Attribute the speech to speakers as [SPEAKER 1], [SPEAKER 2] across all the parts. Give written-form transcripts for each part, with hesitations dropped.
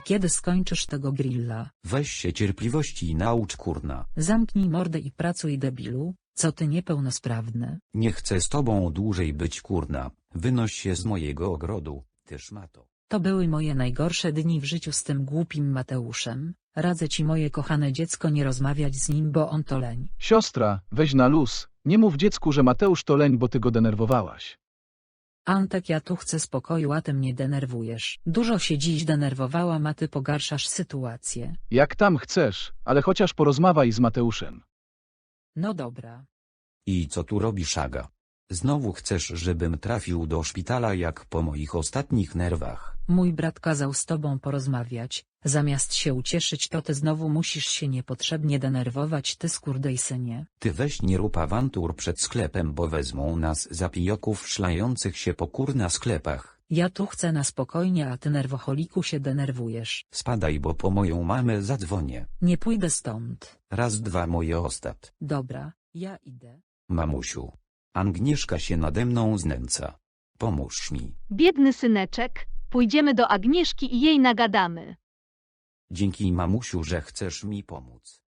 [SPEAKER 1] kiedy skończysz tego grilla?
[SPEAKER 2] Weź się cierpliwości naucz kurna.
[SPEAKER 1] Zamknij mordę i pracuj, debilu, co ty niepełnosprawny.
[SPEAKER 2] Nie chcę z tobą dłużej być kurna, wynoś się z mojego ogrodu, ty szmato.
[SPEAKER 1] To były moje najgorsze dni w życiu z tym głupim Mateuszem. Radzę ci, moje kochane dziecko, nie rozmawiać z nim, bo on to leń.
[SPEAKER 3] Siostra, weź na luz, nie mów dziecku, że Mateusz to leń, bo ty go denerwowałaś.
[SPEAKER 1] Antek, ja tu chcę spokoju, a ty mnie denerwujesz. Dużo się dziś denerwowałam, a ty pogarszasz sytuację.
[SPEAKER 3] Jak tam chcesz, ale chociaż porozmawiaj z Mateuszem.
[SPEAKER 1] No dobra.
[SPEAKER 2] I co tu robisz, Aga? Znowu chcesz, żebym trafił do szpitala jak po moich ostatnich nerwach?
[SPEAKER 1] Mój brat kazał z tobą porozmawiać, zamiast się ucieszyć, to ty znowu musisz się niepotrzebnie denerwować, ty skurwysynie.
[SPEAKER 2] Ty weź nie rób awantur przed sklepem, bo wezmą nas za pijoków szlających się po kurna sklepach.
[SPEAKER 1] Ja tu chcę na spokojnie, a ty, nerwocholiku, się denerwujesz.
[SPEAKER 2] Spadaj, bo po moją mamę zadzwonię.
[SPEAKER 1] Nie pójdę stąd.
[SPEAKER 2] Raz, dwa, moje ostat.
[SPEAKER 1] Dobra, ja idę.
[SPEAKER 2] Mamusiu. Agnieszka się nade mną znęca. Pomóż mi.
[SPEAKER 4] Biedny syneczek, pójdziemy do Agnieszki i jej nagadamy.
[SPEAKER 2] Dzięki, mamusiu, że chcesz mi pomóc.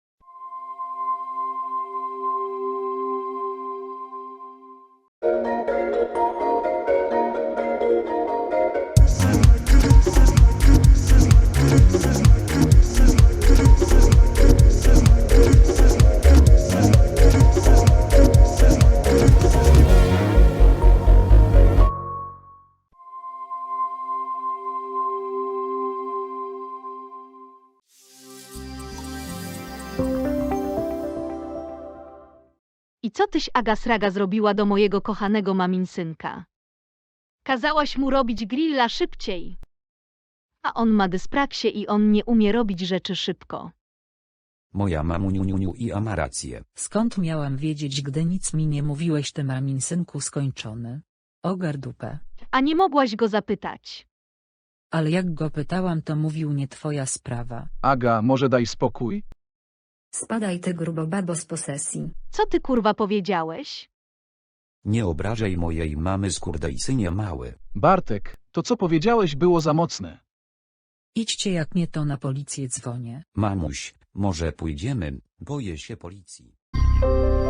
[SPEAKER 4] I co tyś, Aga Sraga, zrobiła do mojego kochanego maminsynka? Kazałaś mu robić grilla szybciej. A on ma dyspraksie i on nie umie robić rzeczy szybko.
[SPEAKER 2] Moja mamuniuniuniu i ma rację.
[SPEAKER 1] Skąd miałam wiedzieć, gdy nic mi nie mówiłeś, ty maminsynku skończony? Ogar dupę.
[SPEAKER 4] A nie mogłaś go zapytać.
[SPEAKER 1] Ale jak go pytałam, to mówił, nie twoja sprawa.
[SPEAKER 3] Aga, może daj spokój?
[SPEAKER 5] Spadaj, ty grubobabo z posesji.
[SPEAKER 4] Co ty, kurwa, powiedziałeś?
[SPEAKER 2] Nie obrażaj mojej mamy, skurwysynie mały.
[SPEAKER 3] Bartek, to co powiedziałeś było za mocne.
[SPEAKER 1] Idźcie, jak nie, to na policję dzwonię.
[SPEAKER 2] Mamuś, może pójdziemy, boję się policji.